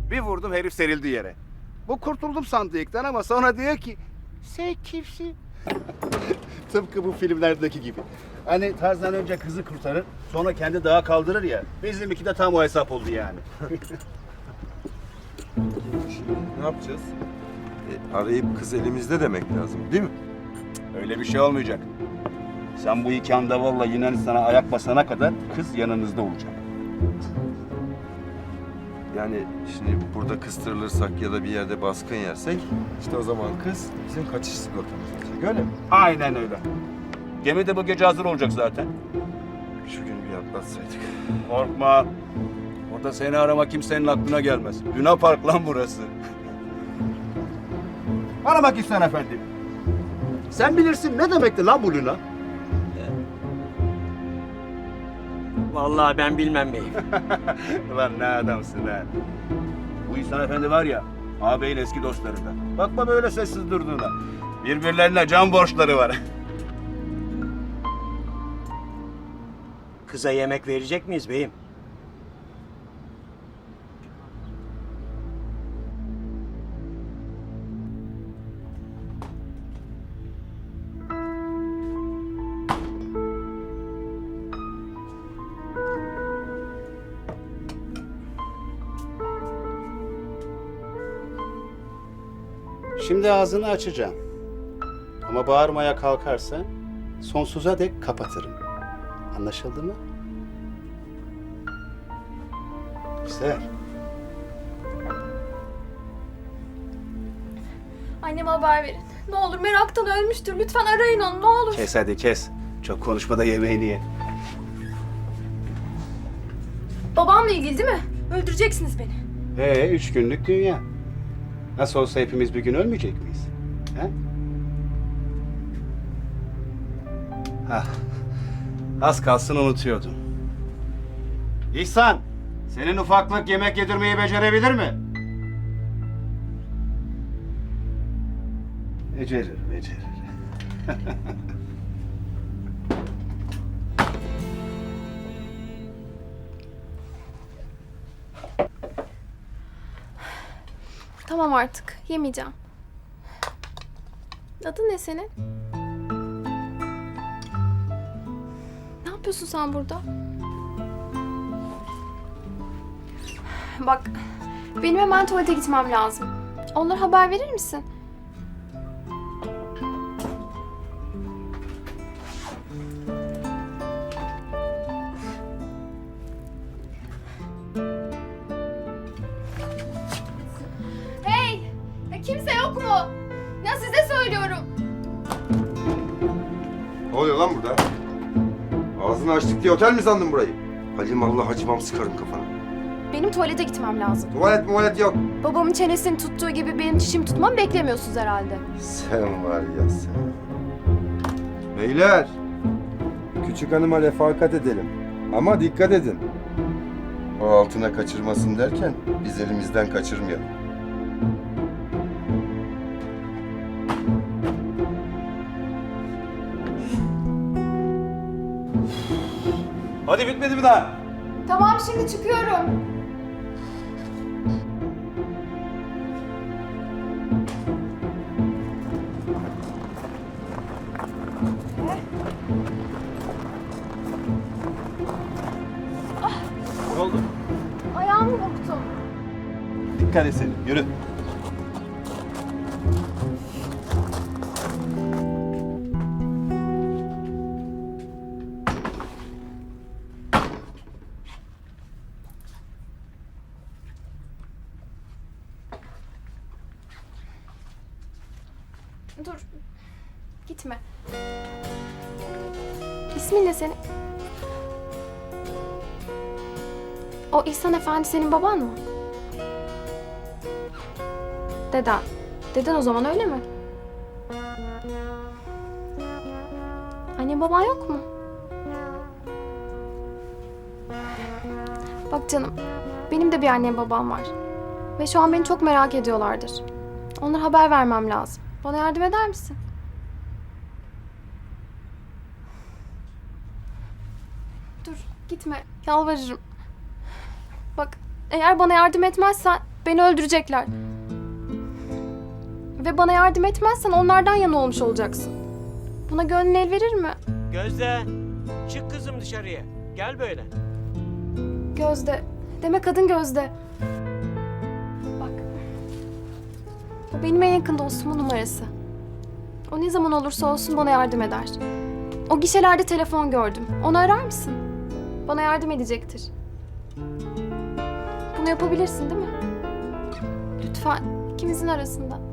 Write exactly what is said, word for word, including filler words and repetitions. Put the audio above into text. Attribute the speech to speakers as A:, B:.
A: Bir vurdum herif serildi yere. Bu kurtuldum sandı ilkten ama sonra diyor ki sen kimsin? Tıpkı bu filmlerdeki gibi. Hani Tarzan önce kızı kurtarır, sonra kendi dağa kaldırır ya. Bizimki de tam o hesap oldu yani.
B: Ne yapacağız? E, arayıp kız elimizde demek lazım değil mi?
A: Öyle bir şey olmayacak. Sen bu iki andavalla Yunanistan'a ayak basana kadar kız yanınızda olacak.
B: Yani şimdi burada kıstırılırsak ya da bir yerde baskın yersek işte o zaman kız bizim kaçış sigortamız olacak öyle mi?
A: Aynen öyle. Gemi de bu gece hazır olacak zaten.
B: Şu günü bir atlatsaydık.
A: Korkma. Orada seni arama kimsenin aklına gelmez. Luna Park lan burası. Bana bak İhsan Efendi. Sen bilirsin ne demekti lan bu Luna?
C: Vallahi ben bilmem beyim.
A: Ulan ne adamsın ha. Bu İhsan Efendi var ya, ağabeyin eski dostlarından. Bakma böyle sessiz durduğuna. Birbirlerine can borçları var.
C: Kıza yemek verecek miyiz beyim?
A: Şimdi ağzını açacağım. Ama bağırmaya kalkarsan sonsuza dek kapatırım. Anlaşıldı mı? Güzel.
D: Anneme haber verin. Ne olur meraktan ölmüştür. Lütfen arayın onu ne olur.
A: Kes hadi kes. Çok konuşma da yemeğini ye.
D: Babamla ilgili değil mi? Öldüreceksiniz beni.
A: Ee, üç günlük dünya. Nasıl olsa hepimiz bir gün ölmeyecek miyiz? He? Hah. Az kalsın unutuyordum. İhsan, senin ufaklık yemek yedirmeyi becerebilir mi? Becerir, becerir.
D: Tamam artık. Yemeyeceğim. Adın ne senin? Ne yapıyorsun sen burada? Bak, benim hemen tuvalete gitmem lazım. Onlara haber verir misin? Hey! Ya kimse yok mu? Ya size söylüyorum.
B: Ne oluyor lan burada? Ağzını açtık diye otel mi sandın burayı? Halim Allah hacımam sıkarım kafana.
D: Benim tuvalete gitmem lazım.
B: Tuvalet muvalet yok.
D: Babamın çenesini tuttuğu gibi benim çişimi tutmamı beklemiyorsunuz herhalde.
B: Sen var ya sen. Beyler. Küçük hanıma refakat edelim. Ama dikkat edin. O altına kaçırmasın derken biz elimizden kaçırmayalım.
A: Hadi bitmedi mi daha?
D: Tamam şimdi çıkıyorum.
A: Ne oldu?
D: Ayağımı burktum.
A: Dikkat et senin, yürü.
D: Dur. Gitme. İsmin ne senin? O İhsan Efendi senin baban mı? Deden. Deden o zaman öyle mi? Anne baban yok mu? Bak canım, benim de bir annem babam var. Ve şu an beni çok merak ediyorlardır. Onlara haber vermem lazım. Bana yardım eder misin? Dur, gitme. Yalvarırım. Bak, eğer bana yardım etmezsen Beni öldürecekler. Ve bana yardım etmezsen onlardan yana olmuş olacaksın. Buna gönlün el verir mi?
C: Gözde, çık kızım dışarıya. Gel böyle.
D: Gözde. Demek adın Gözde. Bak. Bu benim en yakın dostumun numarası. O ne zaman olursa olsun bana yardım eder. O gişelerde telefon gördüm. Onu arar mısın? Bana yardım edecektir. Bunu yapabilirsin değil mi? Lütfen ikimizin arasında.